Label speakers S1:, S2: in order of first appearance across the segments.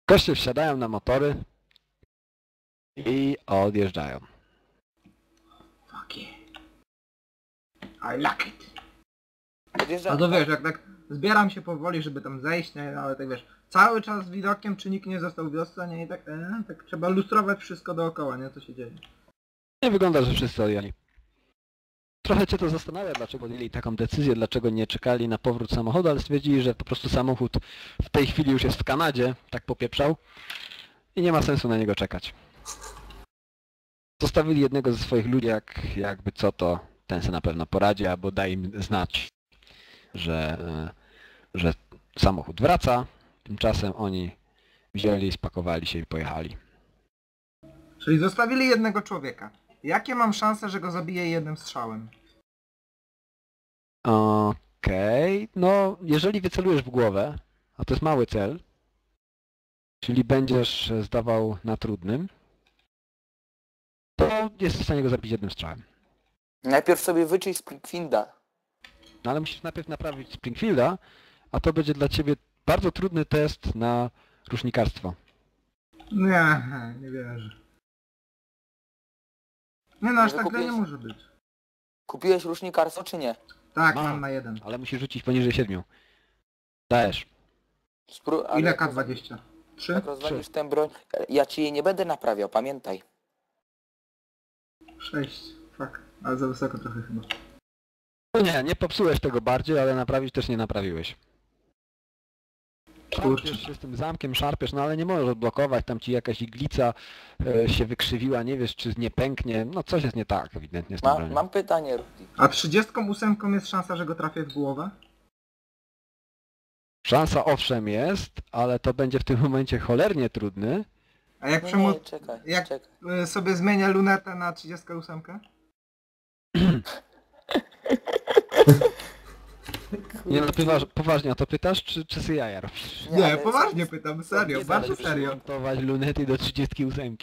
S1: Goście wsiadają na motory i odjeżdżają.
S2: Fuck yeah. I like it.
S3: Podjeżdża...
S2: A to wiesz, jak tak zbieram się powoli, żeby tam zejść, nie? Ale tak wiesz, cały czas widokiem, czy nikt nie został w wiosce, nie? I tak, tak trzeba lustrować wszystko dookoła, nie? Co się dzieje.
S1: Nie wygląda, że wszyscy odjechali. Trochę cię to zastanawia, dlaczego podjęli taką decyzję, dlaczego nie czekali na powrót samochodu, ale stwierdzili, że po prostu samochód w tej chwili już jest w Kanadzie, tak popieprzał i nie ma sensu na niego czekać. Zostawili jednego ze swoich ludzi, jakby co to ten se na pewno poradzi, albo da im znać, że samochód wraca. Tymczasem oni wzięli, spakowali się i pojechali.
S2: Czyli zostawili jednego człowieka. Jakie mam szanse, że go zabiję jednym strzałem?
S1: Okej, no jeżeli wycelujesz w głowę, a to jest mały cel, czyli będziesz zdawał na trudnym, to jesteś w stanie go zabić jednym strzałem.
S3: Najpierw sobie wyczyść Springfielda.
S1: No ale musisz najpierw naprawić Springfielda, a to będzie dla ciebie bardzo trudny test na rusznikarstwo.
S2: Nie wierzę. Nie no, aż tak źle nie
S3: Wykupiłeś?
S2: może być.
S3: Kupiłeś rusznikarstwo czy nie?
S2: Tak,
S1: Mam.
S2: mam na jeden.
S1: Ale musisz rzucić poniżej 7. Dajesz.
S3: Ale
S2: Ile
S3: jak
S2: K20? 3?
S3: Jak rozwalisz tę broń, ja ci jej nie będę naprawiał, pamiętaj.
S2: 6. Fuck. Ale za wysoko trochę chyba.
S1: No nie popsułeś tego bardziej, ale naprawić też nie naprawiłeś.
S2: Kurczę.
S1: Szarpiesz się z tym zamkiem, szarpiesz, no ale nie możesz odblokować, tam ci jakaś iglica się wykrzywiła, nie wiesz czy nie pęknie, no coś jest nie tak ewidentnie z tym bronią.
S3: Mam pytanie, Rudy.
S2: A 38 jest szansa, że go trafię w głowę?
S1: Szansa owszem jest, ale to będzie w tym momencie cholernie trudny.
S2: A jak
S3: Nie, czekaj,
S2: jak
S3: czekaj.
S2: sobie zmienię lunetę na 38?
S1: Nie no, poważnie o to pytasz, czy sobie jaja robisz?
S2: Nie,
S3: ale
S2: poważnie pytam, serio,
S1: Nie
S2: bardzo
S1: da się
S2: serio.
S1: przymontować lunety do 38.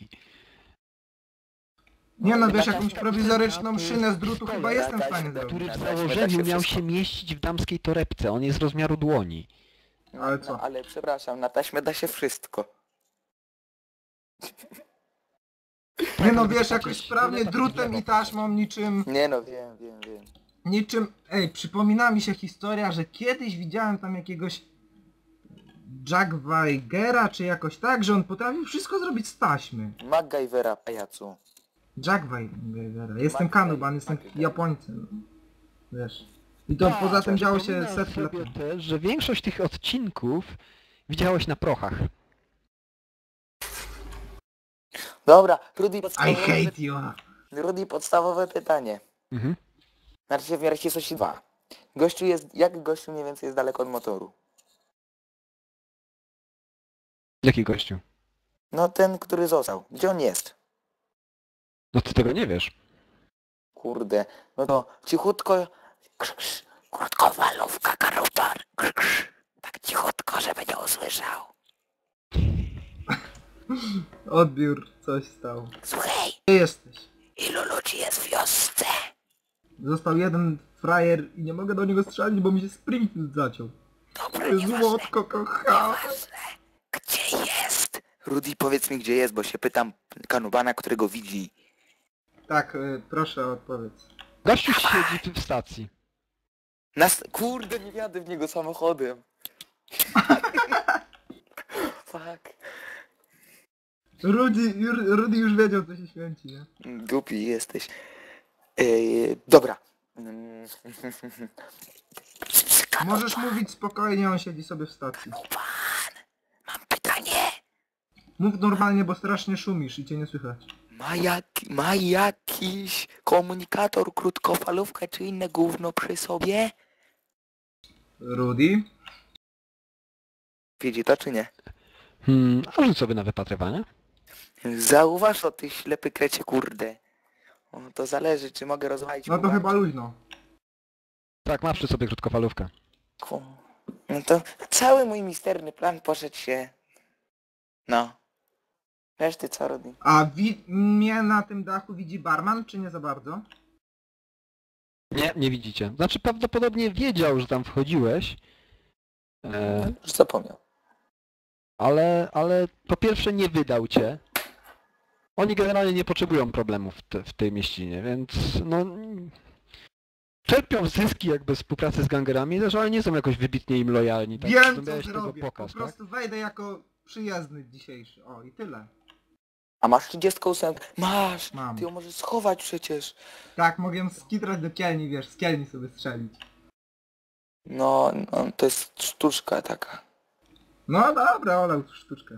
S2: Nie no, wiesz,
S3: Taka-
S2: jakąś prowizoryczną szynę z drutu chyba jestem w stanie
S3: Jakaś-
S1: Który
S2: zrobić.
S1: w
S3: Da się
S1: założeniu miał
S3: wszystko.
S1: się mieścić w damskiej torebce, on jest rozmiaru dłoni.
S2: Ale co?
S3: No, ale przepraszam, na taśmę da się wszystko.
S2: Nie no, wiesz, jakoś sprawnie drutem i taśmą niczym...
S3: Nie no, wiem.
S2: Niczym... Ej, przypomina mi się historia, że kiedyś widziałem tam jakiegoś... Jack Weigera, czy jakoś tak, że on potrafił wszystko zrobić z taśmy.
S3: MacGyvera, pajacu.
S2: Jack Weigera. Jestem
S3: Mac-
S2: Kanuban, jestem
S3: Mac-
S2: Japońcem. Wiesz. I to poza tym działo się
S1: Przypominam
S2: setki lat
S1: sobie
S2: temu.
S1: też, że większość tych odcinków widziałeś na prochach.
S3: Dobra, Rudy,
S2: I hate you.
S3: podstawowe pytanie.
S1: Mhm.
S3: Znaczy w miarę coś 2. Gościu jest, jak gościu mniej więcej jest daleko od motoru?
S1: Jaki gościu?
S3: No ten, który został. Gdzie on jest?
S1: No ty tego nie wiesz.
S3: Kurde. No to cichutko... Krótkowalówka, karutar. Tak cichutko, żeby nie usłyszał.
S2: Odbiór, coś stało.
S3: Słuchaj,
S2: Gdzie jesteś?
S3: ilu ludzi jest w wiosce?
S2: Został jeden frajer i nie mogę do niego strzelić, bo mi się Springfield zaciął.
S3: Dobra,
S2: Złotko kocham.
S3: Gdzie jest? Rudy, powiedz mi gdzie jest, bo się pytam Kanubana, którego widzi.
S2: Tak, proszę odpowiedz.
S1: Gościu siedzi w stacji.
S3: Kurde, nie jadę w niego samochodem. Fuck.
S2: Rudy już wiedział, co się święci, nie?
S3: Głupi jesteś. Dobra.
S2: Możesz mówić spokojnie, on siedzi sobie w stacji.
S3: Mam pytanie.
S2: Mów normalnie, bo strasznie szumisz i cię nie słychać.
S3: Ma jakiś komunikator, krótkofalówkę czy inne gówno przy sobie?
S2: Rudy?
S3: Widzi to czy nie?
S1: A rzuć sobie na wypatrywanie.
S3: Zauważ to, ty ślepy krecie, kurde. O, to zależy, czy mogę rozwalić
S2: No to
S3: kubek.
S2: chyba luźno.
S1: Tak, ma przy sobie krótkofalówkę.
S3: No to cały mój misterny plan poszedł się... No. Wiesz ty co, Rudy?
S2: A mnie na tym dachu widzi barman, czy nie za bardzo?
S1: Nie widzicie. Znaczy prawdopodobnie wiedział, że tam wchodziłeś.
S3: Już zapomniał.
S1: ale po pierwsze nie wydał cię. Oni generalnie nie potrzebują problemów w tej mieścinie, więc no... Czerpią zyski jakby z współpracy z gangerami, też, ale nie są jakoś wybitnie im lojalni. Tak?
S2: Wiem co
S1: Miałeś tego
S2: zrobię,
S1: pokaz,
S2: po prostu wejdę jako przyjezdny dzisiejszy. O i tyle.
S3: A masz 38? Masz!
S2: Mam.
S3: Ty ją możesz schować przecież.
S2: Tak, mogę skitrać do kielni, wiesz, z kielni sobie strzelić.
S3: No, to jest sztuczka taka.
S2: No dobra, olał tu sztuczkę.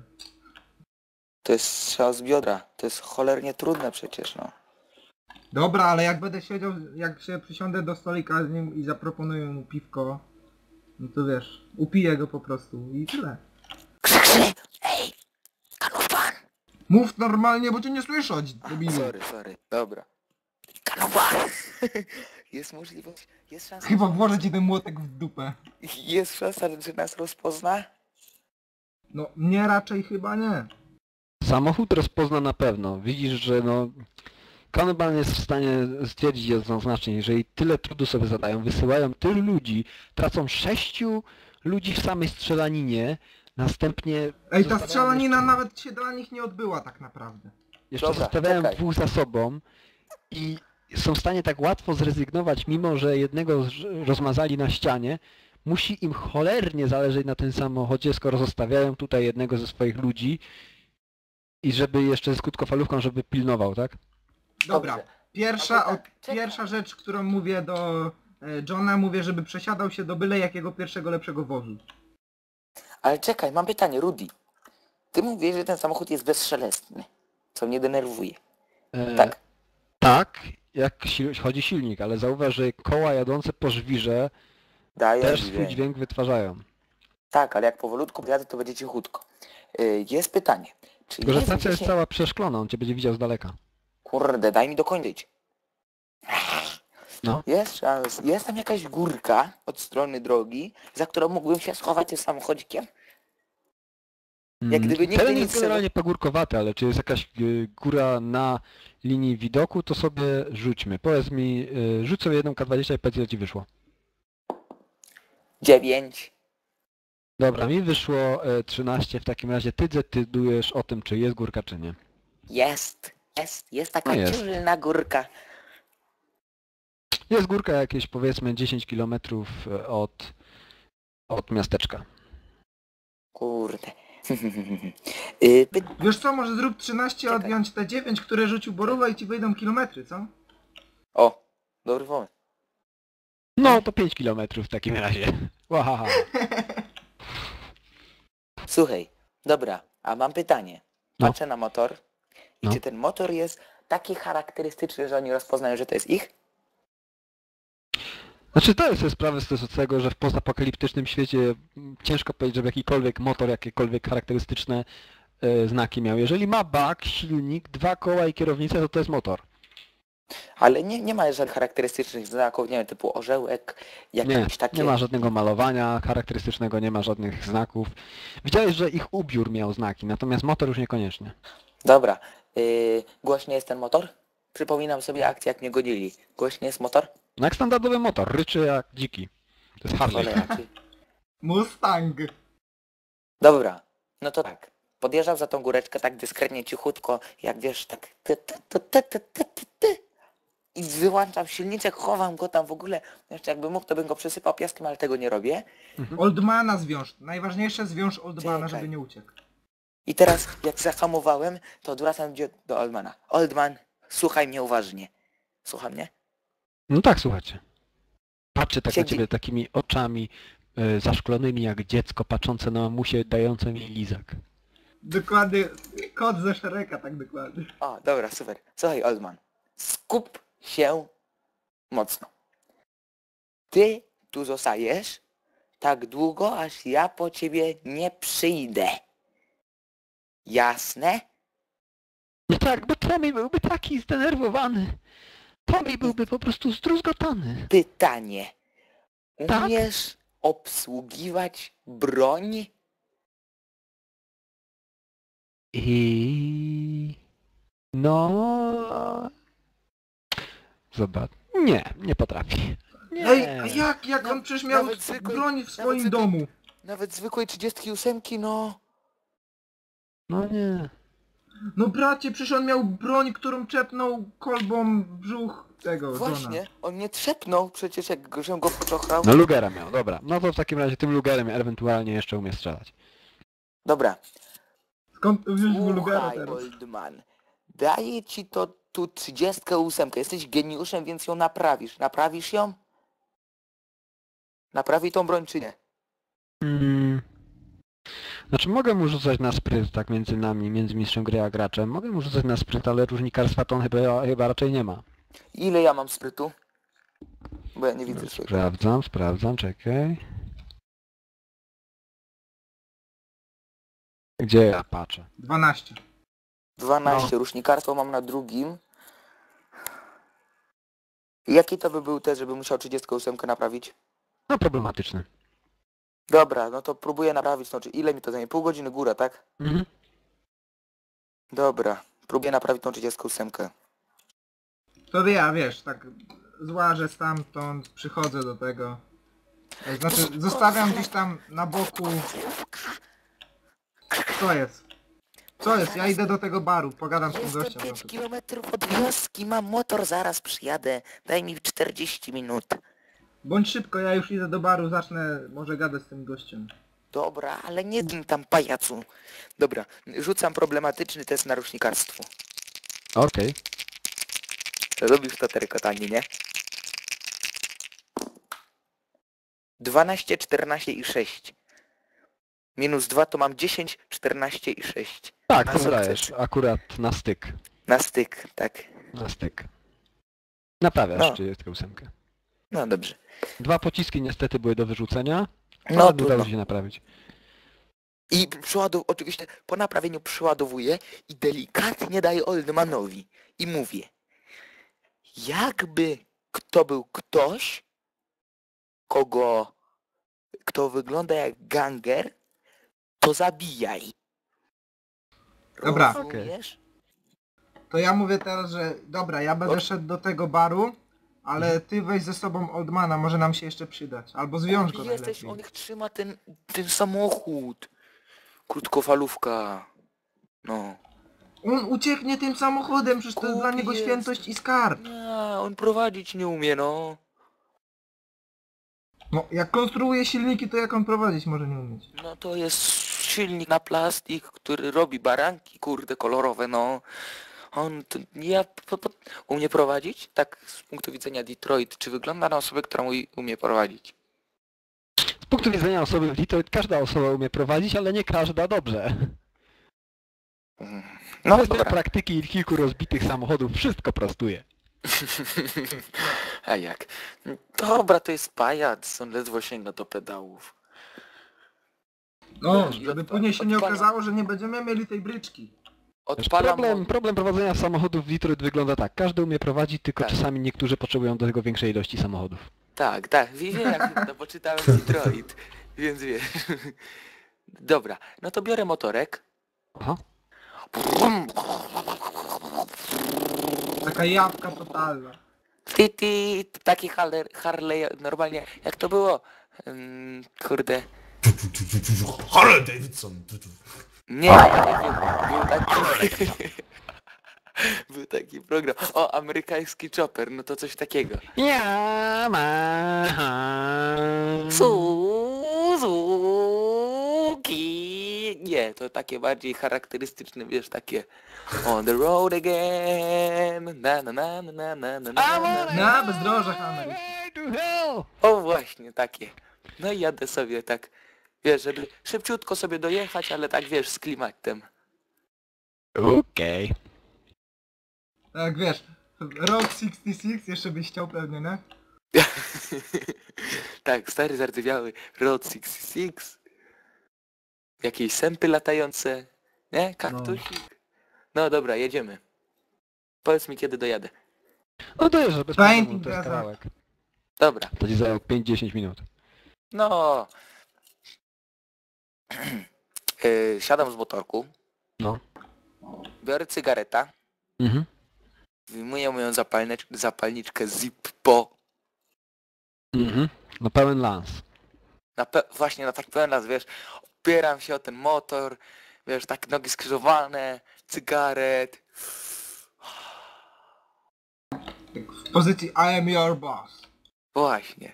S3: To jest strzał z biodra. To jest cholernie trudne przecież, no.
S2: Dobra, ale jak będę siedział, jak się przysiądę do stolika z nim i zaproponuję mu piwko, no to wiesz, upiję go po prostu i tyle.
S3: Krzyk! Ej! Kanuban!
S2: Mów normalnie, bo cię nie słyszeć, debilu.
S3: Sorry. Dobra. Kanuban! Jest możliwość, jest szansa...
S2: Chyba włożę ci ten młotek w dupę.
S3: Jest szansa, że nas rozpozna?
S2: No, mnie raczej chyba nie.
S1: Samochód rozpozna na pewno. Widzisz, że no... Kanban jest w stanie stwierdzić jednoznacznie, jeżeli tyle trudu sobie zadają, wysyłają tylu ludzi, tracą 6 ludzi w samej strzelaninie, następnie...
S2: Ej, ta
S1: zostawiają
S2: strzelanina
S1: jeszcze-
S2: nawet się dla nich nie odbyła tak naprawdę.
S1: Jeszcze
S3: Dobra,
S1: zostawiają
S3: czekaj.
S1: 2 za sobą i są w stanie tak łatwo zrezygnować, mimo że jednego rozmazali na ścianie. Musi im cholernie zależeć na tym samochodzie, skoro zostawiają tutaj jednego ze swoich ludzi i żeby jeszcze z krótkofalówką, żeby pilnował, tak?
S2: Dobra,
S3: Dobrze.
S2: pierwsza,
S3: A to tak, czekaj.
S2: pierwsza rzecz, którą mówię do Johna, mówię, żeby przesiadał się do byle jakiego pierwszego lepszego wozu.
S3: Ale czekaj, mam pytanie, Rudy. Ty mówisz, że ten samochód jest bezszelestny. Co mnie denerwuje. Tak?
S1: Tak, jak chodzi silnik, ale zauważ, że koła jadące po żwirze
S3: Daję
S1: też swój dźwięk wytwarzają.
S3: Tak, ale jak powolutku jadę, to będzie cichutko. Jest pytanie. Czy
S1: Tylko, że
S3: jest
S1: stacja jest
S3: gdzieś...
S1: cała przeszklona, on cię będzie widział z daleka.
S3: Kurde, daj mi dokończyć.
S1: No.
S3: Jest tam jakaś górka od strony drogi, za którą mógłbym się schować tym samochodzikiem? Jak gdyby nigdy
S1: Teren
S3: nic
S1: jest generalnie pagórkowaty, ale czy jest jakaś góra na linii widoku, to sobie rzućmy. Powiedz mi, rzuć sobie jedną K20 i powiedz, ile ci wyszło.
S3: 9.
S1: Dobra, mi wyszło 13, w takim razie ty decydujesz o tym, czy jest górka, czy nie.
S3: Jest taka
S1: No jest.
S3: dzielna górka.
S1: Jest górka jakieś powiedzmy 10 km od miasteczka.
S3: Kurde.
S2: Wiesz co, może zrób 13,
S3: Czekaj.
S2: odjąć te 9, które rzucił Boruwa i ci wyjdą kilometry, co?
S3: O, dobry pomysł.
S1: No to 5 km w takim razie. Wahaha.
S3: Słuchaj, dobra, a mam pytanie.
S1: No.
S3: Patrzę na motor i
S1: No.
S3: czy ten motor jest taki charakterystyczny, że oni rozpoznają, że to jest ich?
S1: Znaczy zdaję sobie sprawę z tego, że w postapokaliptycznym świecie ciężko powiedzieć, żeby jakikolwiek motor, jakiekolwiek charakterystyczne znaki miał. Jeżeli ma bak, silnik, 2 koła i kierownicę, to jest motor.
S3: Ale nie ma żadnych charakterystycznych znaków, nie wiem, typu orzełek,
S1: Nie,
S3: jakieś takie...
S1: nie ma żadnego malowania charakterystycznego, nie ma żadnych znaków. Widziałeś, że ich ubiór miał znaki, natomiast motor już niekoniecznie.
S3: Dobra, głośny jest ten motor? Przypominam sobie akcję, jak mnie gonili. Głośny jest motor?
S1: No jak standardowy motor, ryczy jak dziki. To jest Harley.
S3: Cholera, ty.
S2: Mustang!
S3: Dobra, no to tak. Podjeżdżam za tą góreczkę tak dyskretnie, cichutko, jak wiesz, tak i wyłączam silniczek, chowam go tam w ogóle. Jeszcze jakbym mógł, to bym go przysypał piaskiem, ale tego nie robię.
S2: Oldmana zwiąż. Najważniejsze zwiąż Oldmana,
S3: Czekaj.
S2: żeby nie uciekł.
S3: I teraz, jak zahamowałem, to odwracam do Oldmana. Oldman, słuchaj mnie uważnie. Słucha mnie?
S1: No tak, słuchajcie. Patrzy tak na
S3: Siedzi.
S1: ciebie takimi oczami zaszklonymi jak dziecko patrzące na mamusię dające mi lizak.
S2: Dokładnie, kot ze Szereka, tak dokładnie.
S3: O, dobra, super. Słuchaj, Oldman. Skup się mocno. Ty tu zostajesz tak długo, aż ja po ciebie nie przyjdę. Jasne?
S1: No tak, bo Tommy byłby taki zdenerwowany. Tommy byłby po prostu zdruzgotany.
S3: Pytanie.
S1: Tak?
S3: Umiesz obsługiwać broń?
S1: I... No... Zobacz. Nie potrafi. Nie.
S2: Ej, a jak on przecież miał
S3: nawet zwykłej-
S2: broń w swoim
S3: zwykłej-
S2: domu.
S3: Nawet zwykłej 38, no...
S1: No nie.
S2: No bracie, przecież on miał broń, którą czepnął kolbą w brzuch tego Johna.
S3: Właśnie, on nie trzepnął przecież jak żem go poczochrał.
S1: No Lugera miał, dobra. No to w takim razie tym Lugerem ewentualnie jeszcze umie strzelać.
S3: Dobra,
S2: Skąd wziąć mu Lugera
S3: słuchaj
S2: teraz?
S3: Oldman. Daję ci to tu 38. Jesteś geniuszem, więc ją naprawisz. Naprawisz ją? Naprawi tą broń czy nie?
S1: Znaczy mogę mu rzucać na spryt, tak między nami, między mistrzem gry a graczem. Mogę mu rzucać na spryt, ale różnikarstwa to on chyba raczej nie ma.
S3: Ile ja mam sprytu? Bo ja nie widzę swojego.
S1: Sprawdzam, czekaj. Gdzie ja patrzę?
S2: 12.
S3: 12. Rusznikarstwo mam na drugim. Jaki to by był test, żeby musiał 38 naprawić?
S1: No problematyczny.
S3: Dobra, no to próbuję naprawić, znaczy ile mi to zajmie? Pół godziny góra, tak?
S1: Mhm.
S3: Dobra, próbuję naprawić tą 38.
S2: To ja, wiesz, tak złażę stamtąd, przychodzę do tego. Znaczy, zostawiam gdzieś tam na boku... Co jest? Co jest? Ja idę do tego baru, pogadam z tym
S3: Jestem
S2: gościem.
S3: 5 kilometrów od wioski, mam motor, zaraz przyjadę. Daj mi 40 minut.
S2: Bądź szybko, ja już idę do baru, zacznę może gadać z tym gościem.
S3: Dobra, ale nie dym tam pajacu. Dobra, rzucam problematyczny test na rusznikarstwo.
S1: Okej.
S3: Lubisz to terkotanie, nie? 12, 14 i 6. Minus 2 to mam 10, 14 i 6.
S1: Tak,
S3: Na
S1: to
S3: sukces.
S1: dajesz. Akurat na styk.
S3: Na styk, tak.
S1: Na styk. Naprawiasz
S3: No.
S1: 38.
S3: No dobrze.
S1: 2 pociski niestety były do wyrzucenia.
S3: No
S1: ale
S3: trudno.
S1: udało się naprawić.
S3: I oczywiście po naprawieniu przyładowuję i delikatnie daję Oldmanowi. I mówię. Jakby kto był ktoś, kto wygląda jak ganger, to zabijaj.
S2: Dobra.
S3: Rozumiesz?
S2: To ja mówię teraz, że dobra, ja będę szedł do tego baru, ale ty weź ze sobą Oldmana, może nam się jeszcze przydać. Albo zwiąż go
S3: Jesteś,
S2: najlepiej.
S3: on ich trzyma ten samochód. Krótkofalówka. No.
S2: On ucieknie tym samochodem, przecież to jest dla
S3: Głupi
S2: niego
S3: jest.
S2: świętość i skarb.
S3: Nie, on prowadzić nie umie, no.
S2: No, jak konstruuje silniki, to jak on prowadzić może nie umieć.
S3: No to jest silnik na plastik, który robi baranki, kurde, kolorowe, no. On, to, umie prowadzić? Tak z punktu widzenia Detroit, czy wygląda na osobę, która umie prowadzić?
S1: Z punktu widzenia osoby w Detroit każda osoba umie prowadzić, ale nie każda dobrze.
S3: No
S1: Bez
S3: dobra.
S1: praktyki i kilku rozbitych samochodów wszystko prostuje.
S3: A jak? Dobra, to jest pajac, on ledwo sięga do pedałów.
S2: No,
S3: I
S2: żeby później się nie
S3: odpalam.
S2: okazało, że nie będziemy mieli tej bryczki.
S3: Odpalam
S1: Problem prowadzenia samochodów w Detroit wygląda tak. Każdy umie prowadzić, tylko
S3: Tak.
S1: czasami niektórzy potrzebują do tego większej ilości samochodów.
S3: Tak, wiem jak to, bo czytałem Detroit, więc wiesz. Dobra, no to biorę motorek.
S1: Aha.
S2: Taka jawka totalna.
S3: Taki Harley, normalnie, jak to było? Kurde.
S4: Harley Davidson.
S3: Nie, był taki... Był taki program. O, amerykański chopper, no to coś takiego.
S1: Ja ma.
S3: Suzuki. Nie, to takie bardziej charakterystyczne, wiesz, takie on the road again, na na na na na na na.
S2: Na bezdrożach Ameryki.
S3: O właśnie, takie. No i jadę sobie tak, wiesz, żeby szybciutko sobie dojechać, ale tak wiesz, z klimatem.
S1: Okej.
S2: Tak wiesz, Road 66 jeszcze byś chciał pewnie, nie?
S3: Tak, stary zardzewiały Road 66. Jakieś sępy latające. Nie? Kaktusik. No dobra, jedziemy. Powiedz mi kiedy dojadę.
S1: No to jest, bez
S2: Painting
S1: problemu, to jest
S2: Plaza.
S1: kawałek.
S3: Dobra.
S1: To ci zajął 5-10 minut.
S3: No. Siadam z motorku.
S1: No.
S3: Biorę cygareta.
S1: Mhm.
S3: Wyjmuję moją zapalniczkę Zippo.
S1: Mhm. No pełen lans.
S3: Właśnie na tak pełen raz, wiesz, opieram się o ten motor, Wiesz, tak nogi skrzyżowane, cygaret.
S2: Tak w pozycji I am your boss.
S3: Właśnie.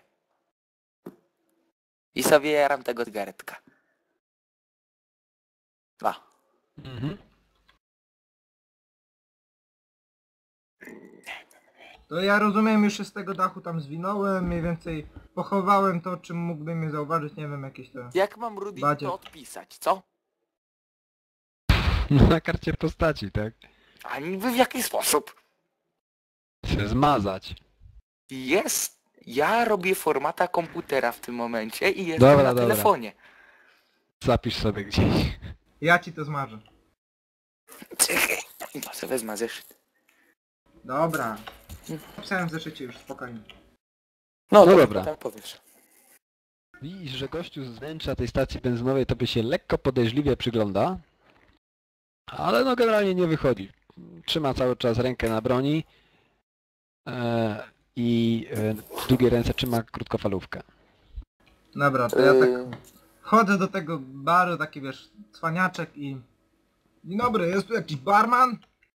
S3: I sobie jaram tego cygaretka. Dwa.
S1: Mhm.
S2: To ja rozumiem, już się z tego dachu tam zwinąłem, mniej więcej pochowałem to, czym mógłby mnie zauważyć, nie wiem, jakieś te...
S3: Jak mam Rudy
S2: Badzie.
S3: to odpisać, co?
S1: No na karcie postaci, tak?
S3: A niby w jaki sposób?
S1: Się zmazać.
S3: Jest. Ja robię formata komputera w tym momencie i jestem
S1: Dobra,
S3: na
S1: dobra.
S3: telefonie.
S1: Zapisz sobie gdzieś.
S2: Ja ci to zmarzę.
S3: Czekaj. Może wezmę zeszyt.
S2: Dobra. Pisałem w zeszycie już, spokojnie.
S3: No,
S1: No
S3: to
S1: dobra.
S3: potem powiesz.
S1: Widzisz, że gościu z wnętrza tej stacji benzynowej to by się lekko podejrzliwie przygląda. Ale no generalnie nie wychodzi. Trzyma cały czas rękę na broni. I w drugiej ręce trzyma krótkofalówkę.
S2: Dobra, to ja tak chodzę do tego baru, taki wiesz, cwaniaczek i... Dzień dobry, jest tu jakiś barman?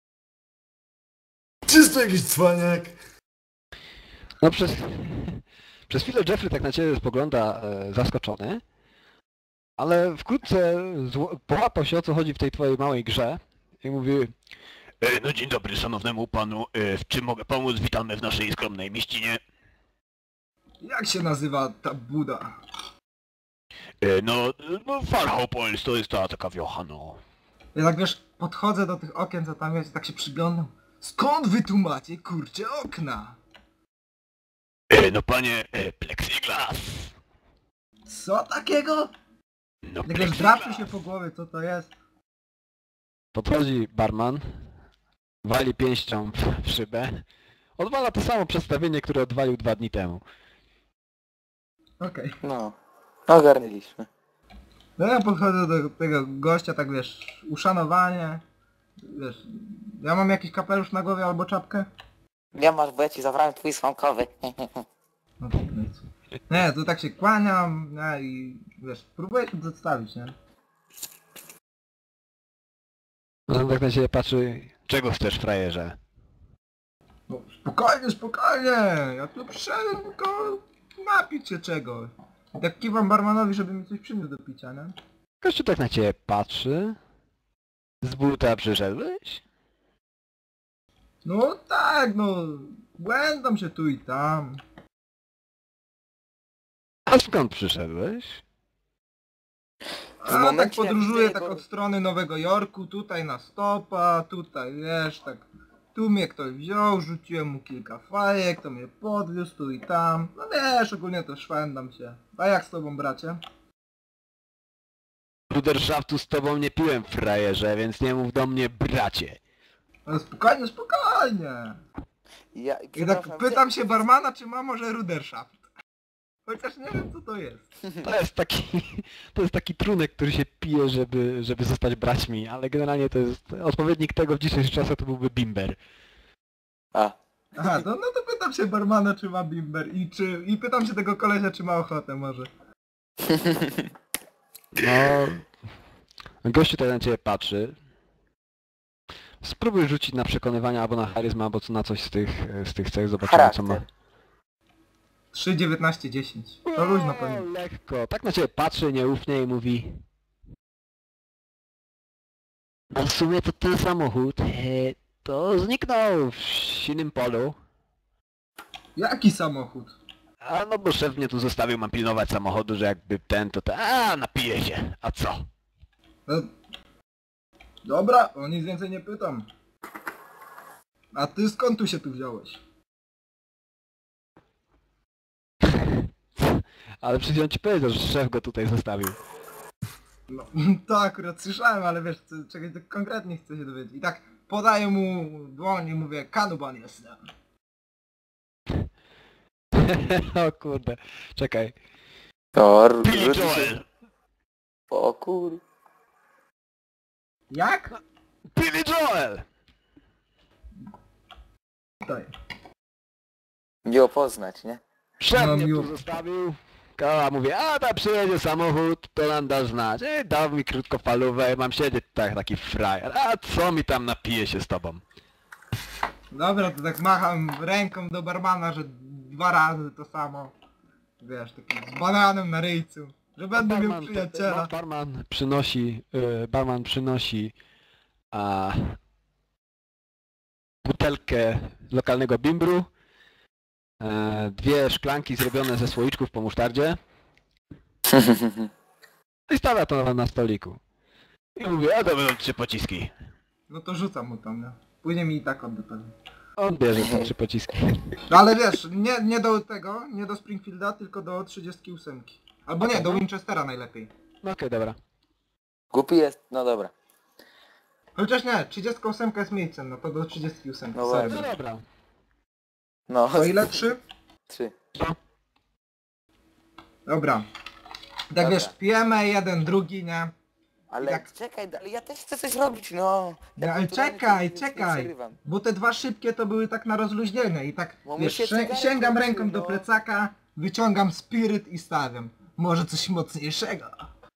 S4: Czysto jakiś cwaniak.
S1: No przez chwilę Jeffrey tak na ciebie spogląda zaskoczony. Ale wkrótce połapał się, o co chodzi w tej twojej małej grze. I mówi...
S5: No dzień dobry szanownemu panu, w czym mogę pomóc? Witamy w naszej skromnej mieścinie.
S2: Jak się nazywa ta buda?
S5: No Farhopols to jest ta taka wiocha, no.
S2: Ja tak wiesz, podchodzę do tych okien, co tam jest, i tak się przyglądam. Skąd wy tu macie, kurcze, okna?
S5: No panie, plexiglas.
S2: Co takiego?
S5: No
S2: Tak wiesz, drapie się po głowie, co to jest?
S1: Podchodzi barman. Wali pięścią w szybę. Odwala to samo przedstawienie, które odwalił 2 dni temu.
S2: Okej.
S3: No. Ogarnęliśmy.
S2: No ja podchodzę do tego gościa, tak wiesz, uszanowanie. Wiesz, ja mam jakiś kapelusz na głowie albo czapkę?
S3: Nie masz, bo ja ci zabrałem twój słomkowy.
S2: No to nic. Nie, to tak się kłaniam, nie, i wiesz, próbuję się przedstawić, nie?
S1: No on tak na ciebie patrzy. Czego chcesz, frajerze?
S2: No, spokojnie, spokojnie, ja tu przyszedłem tylko napić się czegoś. I tak kiwam barmanowi, żeby mi coś przyniósł do picia, nie?
S1: Gościu tak na ciebie patrzy. Z buta przyszedłeś?
S2: No tak, no, błędam się tu i tam.
S1: A skąd przyszedłeś?
S2: A tak
S3: momencie, jak
S2: podróżuję
S3: widzę
S2: tak
S3: jego-
S2: od strony Nowego Jorku, tutaj na stopa, tutaj wiesz, tak. Tu mnie ktoś wziął, rzuciłem mu kilka fajek, to mnie podwiózł tu i tam. No wiesz, ogólnie to szwendam się. A jak z tobą, bracie?
S1: Bruderszaftu z tobą nie piłem, frajerze, więc nie mów do mnie bracie.
S2: No spokojnie, spokojnie.
S3: Ja,
S2: I
S3: przepraszam,
S2: tak pytam się barmana, czy ma może Ruderschaft. Chociaż nie wiem, co to jest.
S1: To jest taki trunek, który się pije, żeby zostać braćmi, ale generalnie to jest odpowiednik tego w dzisiejszych czasach to byłby bimber.
S3: A.
S2: Aha, no to pytam się barmana, czy ma bimber i pytam się tego kolesia, czy ma ochotę może.
S1: No, gościu tak na ciebie patrzy. Spróbuj rzucić na przekonywanie albo na charyzmę, albo na coś z tych cech, zobaczymy co ma.
S3: Charakter.
S2: 3, 19, 10. To luźno pewnie.
S1: Lekko, tak na ciebie patrzy nieufnie i mówi... No w sumie to ten samochód, to zniknął w silnym polu.
S2: Jaki samochód?
S1: A no bo szef mnie tu zostawił, mam pilnować samochodu, że jakby ten to ten... A napije się, a co?
S2: No, dobra, o nic więcej nie pytam. A ty skąd tu się tu wziąłeś?
S1: Ale przecież on ci powiedział, że szef go tutaj zostawił.
S2: No, to akurat słyszałem, ale wiesz, czegoś tak konkretnie chcę się dowiedzieć. I tak podaję mu dłoń i mówię, Kanuban jestem.
S1: O kurde, czekaj.
S3: To
S5: Billy
S3: rzuci się...
S5: Joel!
S3: O kur...
S2: Jak?
S1: Billy Joel!
S2: Tutaj.
S3: Nie opoznać, nie?
S1: Szef
S2: No,
S1: mnie
S2: miło.
S1: tu zostawił. A mówię, a tam przyjedzie samochód, to nam da znać. Dał mi krótkofalówę, mam siedzieć tak, taki frajer. A co mi tam napije się z tobą?
S2: Dobra, to tak macham ręką do barmana, że 2 razy to samo. Wiesz, taki z bananem na ryjcu. Że będę miał przyjaciela.
S1: Barman przynosi butelkę lokalnego bimbru, 2 szklanki zrobione ze słoiczków po musztardzie i stawia to na stoliku.
S5: I mówię, a to będą 3 pociski.
S2: No to rzucam mu tam, nie? Później mi i tak odda pewnie.
S1: On bierze te 3 pociski.
S2: No ale wiesz, nie do tego, nie do Springfielda, tylko do 38. Albo nie, do Winchestera najlepiej.
S1: No okej, dobra.
S3: Głupi jest, no dobra.
S2: Chociaż nie, 38 jest miejscem, no to do 38.
S3: No
S2: sorry.
S1: No dobra.
S3: No,
S2: To ile? 3?
S3: 3.
S2: Dobra. Tak
S3: Dobra.
S2: wiesz, pijemy jeden, drugi, nie?
S3: Ale
S2: Jak-
S3: czekaj, ale ja też chcę coś robić, no.
S2: Nie,
S3: Ja
S2: ale
S3: kulturalnie
S2: czekaj,
S3: nie
S2: czekaj.
S3: przegrywam.
S2: Bo te 2 szybkie to były tak na rozluźnienie i tak,
S3: Bo
S2: wiesz,
S3: mi się cygarek
S2: sięgam
S3: kończy,
S2: ręką do
S3: no.
S2: plecaka, wyciągam spiryt i stawiam. Może coś mocniejszego.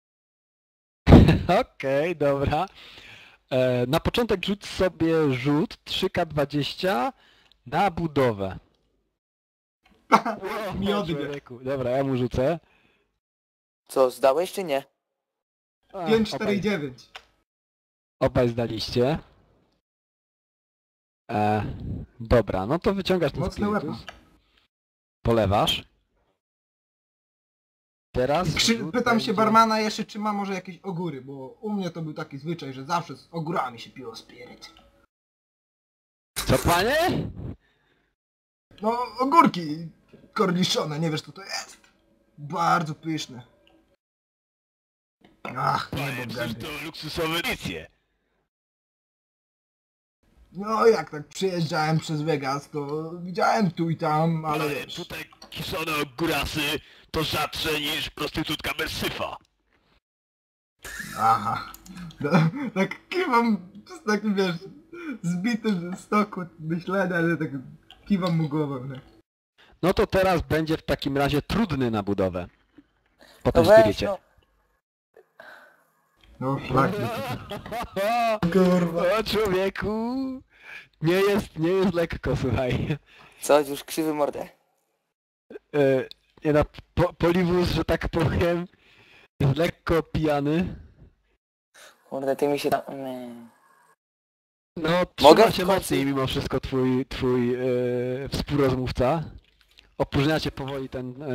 S1: Okej, dobra. Na początek rzuć sobie rzut 3K20 na budowę.
S2: Mi odbieg.
S1: Człowieku. Dobra, ja mu rzucę.
S3: Co, zdałeś czy nie?
S2: 5, 4 i 9.
S1: Obaj zdaliście. Dobra, no to wyciągasz ten
S2: Mocny
S1: spirytus.
S2: weapon.
S1: Polewasz. Teraz rzut
S2: Pytam się
S1: będzie-
S2: barmana jeszcze, czy ma może jakieś ogóry, bo u mnie to był taki zwyczaj, że zawsze z ogórami się piło spiryt.
S1: Co, panie?
S2: No, ogórki korniszone, nie wiesz co to jest. Bardzo pyszne. Ach,
S5: Panie,
S2: nie
S5: przecież
S2: gęby.
S5: to luksusowe edycje.
S2: No jak tak przejeżdżałem przez Vegas, to widziałem tu i tam, ale
S5: Ale
S2: wiesz.
S5: tutaj kiszone ogórasy to rzadsze niż prostytutka bez syfa.
S2: Aha. No, tak kiwam z takim, wiesz, zbitym z toku myślenia, ale tak kiwam mu głową, nie?
S1: No to teraz będzie w takim razie trudny na budowę. Po
S3: No
S1: tym
S3: weź,
S1: spirycie.
S3: no.
S2: No szlak.
S1: Kurwa. O człowieku! Nie jest lekko, słuchaj.
S3: Co, już krzywy mordę?
S1: Nie no, Poliwus, że tak powiem, jest lekko pijany.
S3: Kurde, ty mi się tam... Nie.
S1: No,
S3: Mogę
S1: trzyma
S3: w
S1: się
S3: końcu?
S1: mocniej mimo wszystko twój współrozmówca. Opróżniacie powoli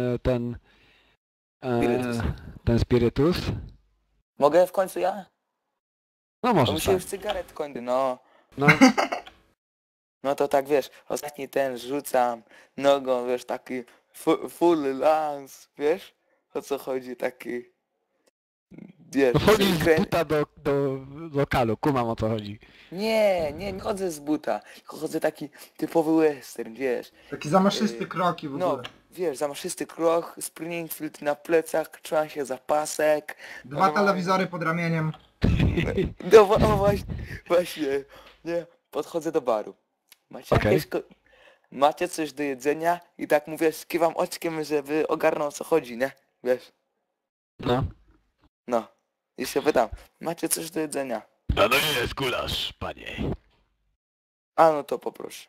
S3: Spirytus.
S1: ten spirytus.
S3: Mogę w końcu ja?
S1: No
S3: Bo
S1: może
S3: mi się
S1: tak.
S3: już cygaret kończy, no.
S1: No,
S3: No to tak wiesz, ostatni ten rzucam nogą, wiesz, taki full lance, wiesz? O co chodzi, taki... Wiesz,
S1: no wchodzisz z
S3: krę-
S1: buta do lokalu, kumam o co chodzi.
S3: nie chodzę z buta, tylko chodzę taki typowy western, wiesz.
S2: Taki zamaszysty kroki w
S3: No,
S2: ogóle.
S3: wiesz, zamaszysty krok, Springfield na plecach, trzymam się za pasek.
S2: 2 telewizory pod ramieniem.
S3: No właśnie, nie, podchodzę do baru. Macie
S1: Okej.
S3: macie coś do jedzenia? I tak mówię, kiwam oczkiem, żeby ogarnął o co chodzi, nie? Wiesz,
S1: No.
S3: no. I się pytam, macie coś do jedzenia?
S5: A no jest gulasz, panie.
S3: A no to poproszę.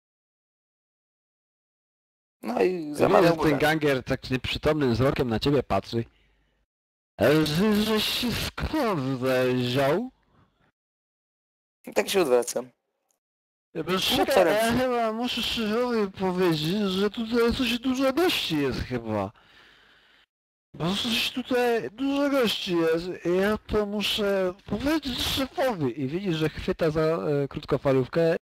S3: No i
S1: Wiesz,
S3: zamawiam
S1: że ten
S3: gulasz.
S1: ganger tak nieprzytomnym wzrokiem na ciebie patrzy. Żeś się skąd wziął?
S3: I tak się odwracam.
S1: Czekaj, ja chyba muszę szefowi powiedzieć, że tutaj coś dużo gości jest chyba. Bo coś tutaj dużo gości jest i ja to muszę powiedzieć szefowi. I widzisz, że chwyta za krótkofalówkę